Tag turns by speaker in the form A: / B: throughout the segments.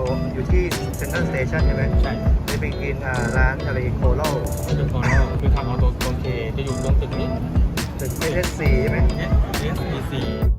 A: อยู่ที่เซ็นทรัลสเตชันใช่ไหม
B: ใช่
A: จะไปกินร้านทะเลโคโล่
B: ตึกโคโน่คือทางออโตเคจะอยู่ตรงตึกนี้
A: ตึกSSCใช่ไหม
B: SBC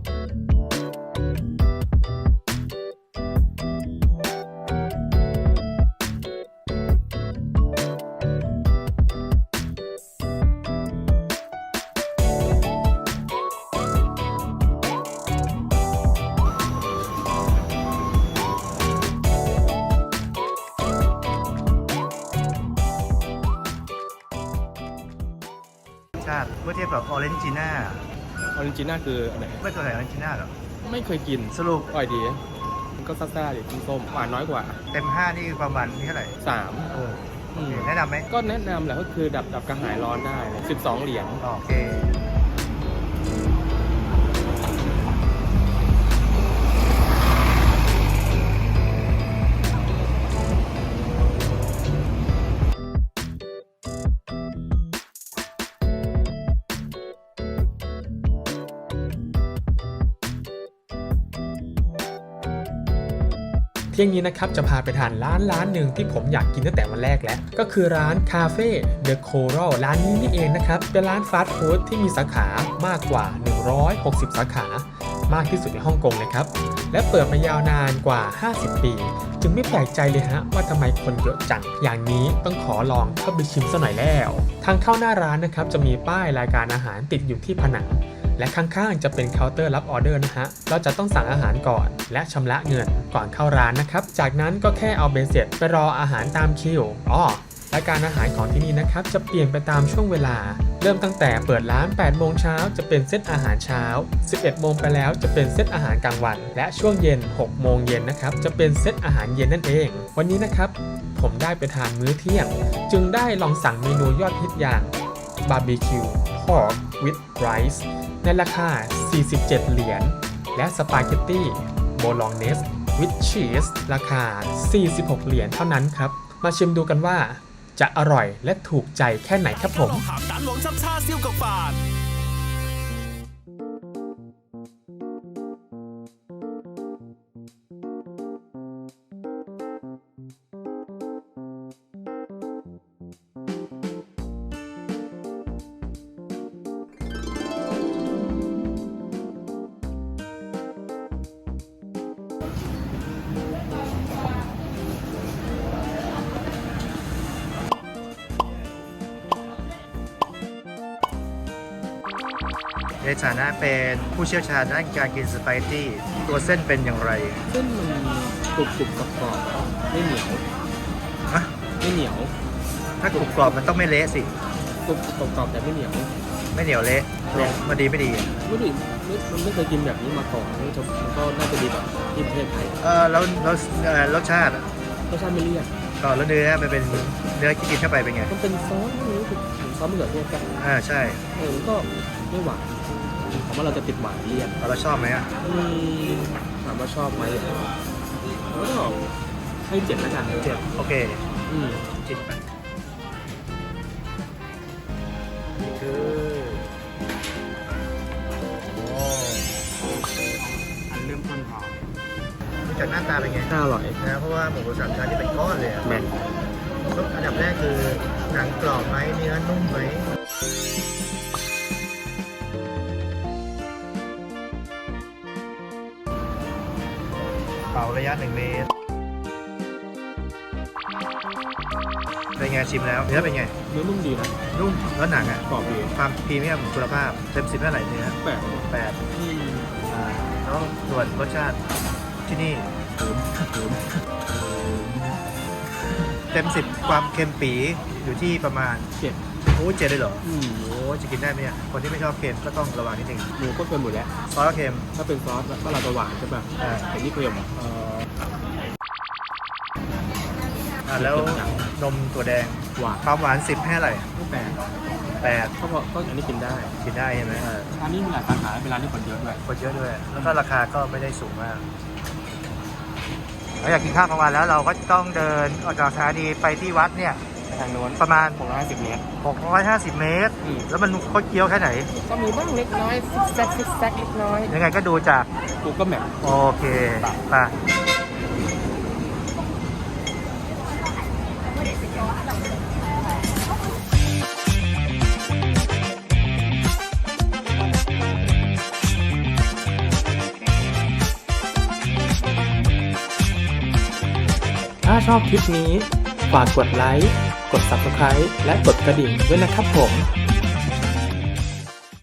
A: ชาติเมื่อเทียบกับออเรนจิน่า
B: ออริจิน่าคืออะไร
A: ไม่เคยเห็นออเรนจิน่าหรอ
B: ไม่เคยกิน
A: สรุป
B: อร่อยดีมันก็ซ่าๆดิส้มๆหวานน้อยกว่า
A: เต็ม5นี่ความหวานนี่เท่าไหร่
B: 3
A: เออแนะนำไหม
B: ก็แนะนำแหละก็คือดับกระหายร้อนได้12 เหรียญ
A: โอเค
C: เที่ยงนี้นะครับจะพาไปทานร้านหนึ่งที่ผมอยากกินตั้งแต่วันแรกแล้วก็คือร้านคาเฟ่เดอะโครัลร้านนี้นี่เองนะครับเป็นร้านฟาสต์ฟู้ดที่มีสาขามากกว่า160สาขามากที่สุดในฮ่องกงเลยครับและเปิดมายาวนานกว่า50ปีจึงไม่แปลกใจเลยฮะว่าทำไมคนเยอะจังอย่างนี้ต้องขอลองเข้าไปชิมซะหน่อยแล้วทางเข้าหน้าร้านนะครับจะมีป้ายรายการอาหารติดอยู่ที่ผนังและข้างๆจะเป็นเคาน์เตอร์รับออเดอร์นะฮะเราจะต้องสั่งอาหารก่อนและชำระเงินก่อนเข้าร้านนะครับจากนั้นก็แค่เอาเบสเสร็จไปรออาหารตามคิวรายการอาหารของที่นี่นะครับจะเปลี่ยนไปตามช่วงเวลาเริ่มตั้งแต่เปิดร้าน8โมงเช้าจะเป็นเซตอาหารเช้า11โมงไปแล้วจะเป็นเซตอาหารกลางวันและช่วงเย็น6โมงเย็นนะครับจะเป็นเซตอาหารเย็นนั่นเองวันนี้นะครับผมได้ไปทานมื้อเที่ยงจึงได้ลองสั่งเมนูยอดฮิตอย่างบาร์บีคิวพอร์กวิดไรซ์ในราคา47เหรียญและสปาเกตตี้โบลองเนสวิดชีสราคา46เหรียญเท่านั้นครับมาชิมดูกันว่าจะอร่อยและถูกใจแค่ไหนครับผม
A: ในฐานะเป็นผู้เชี่ยวชาญด้านการกินสไปซี่ตัวเส้นเป็นอย่างไร
B: เส้นมันกรุบกรอบๆไม่เหนียว
A: ฮะ
B: ไม่เหนียว
A: ถ้ากรุบกรอบมันต้องไม่เละสิ
B: กรุบกรอบแต่ไม่เหนียว
A: ไม่เหนียวเละมันดีไม่ดี
B: มันไม่เคยกินแบบนี้มาก่อนมันก็น่าจะดีแบบที่ประเทศไทย
A: แล้วรสชาติอะ
B: รสชาติไม่เลี่ยน
A: แล้วเนื้อมันเป็นเนื้อที่กินเข้าไปเป็นไง
B: มันเป็นซอสไม่รู้สึกเหมือนซอสมะเขือเทศกัน
A: ใช่
B: มันก็ไม่หวานผมว่าเราจะติดหวานเลี่ยน
A: เราชอบไหมอ่ะ
B: ถามว่าชอบไหมก็ให้7แล้วกัน
A: เจ็บโอเค จิตไปนี่คือโอ้
B: อันเริ่มต้นหอม
A: ดูจากหน้าตาเป็นไง
B: น่าอร่อย
A: นะเพราะว่าหมูสามชั้นนี่เป็นก้อนเลยอะ
B: แมน
A: อันดับแรกคือหนังกรอบไหมเนื้อนุ่มไหมเป่าระยะ1 เมตรเป็นไงชิมแล้วเนื้อเป็นไง
B: เนื้อนุ่มดีนะ
A: นุ่มแล้วหนังอ่ะ
B: กรอบดี
A: ความพรีเมียมคุณภาพเต็ม10เท่าไหร่เนื้อ
B: แปลก
A: 8แล้วส่วนรสชาติที่นี่เต็ม10ความเค็มปีอยู่ที่ประมาณ
B: เจ็ด
A: โอ้7เลยเหรอโอ้จะกินได้ไหมเนี่ยคนที่ไม่ชอบเค็มก็ต้องระวังนิดนึง
B: หมูก็เค็มหมดแล้ว
A: ซอสก็เค็ม
B: ถ้าเป็นซอสก็เราจะหวานใช่ป่ะ
A: อ่า
B: แต่นี่เค็ม
A: แล้วนมถั่วแดง
B: หวาน
A: ความหวาน10ให้อะไร
B: ไม่แปลก
A: 8
B: ก็อันนี้กินได้
A: กินได้ใช่ไหม
B: ร้านนี้มีหลายสาขาเป็นร้านที่คนเยอะด้วย
A: คนเยอะด้วยแล้วก็ราคาก็ไม่ได้สูงมากเราอยากกินข้าวกลางวันแล้วเราก็ต้องเดินออกจากสถานีไปที่วัดเนี่ย
B: ทางโน้น
A: ประมาณ
B: 650 เมตร
A: 650 เมตร แล้วมันโคตรเคี้ยวแค่ไหน
B: ก็มีบ้างเล็กน้อยซิกแซกเล็กน้อย
A: ยังไงก็ดูจาก
B: กูก็แมป
A: โอเคไป
C: ชอบคลิปนี้ฝากกดไลค์ กด Subscribe และกดกระดิ่งด้วยนะครับผม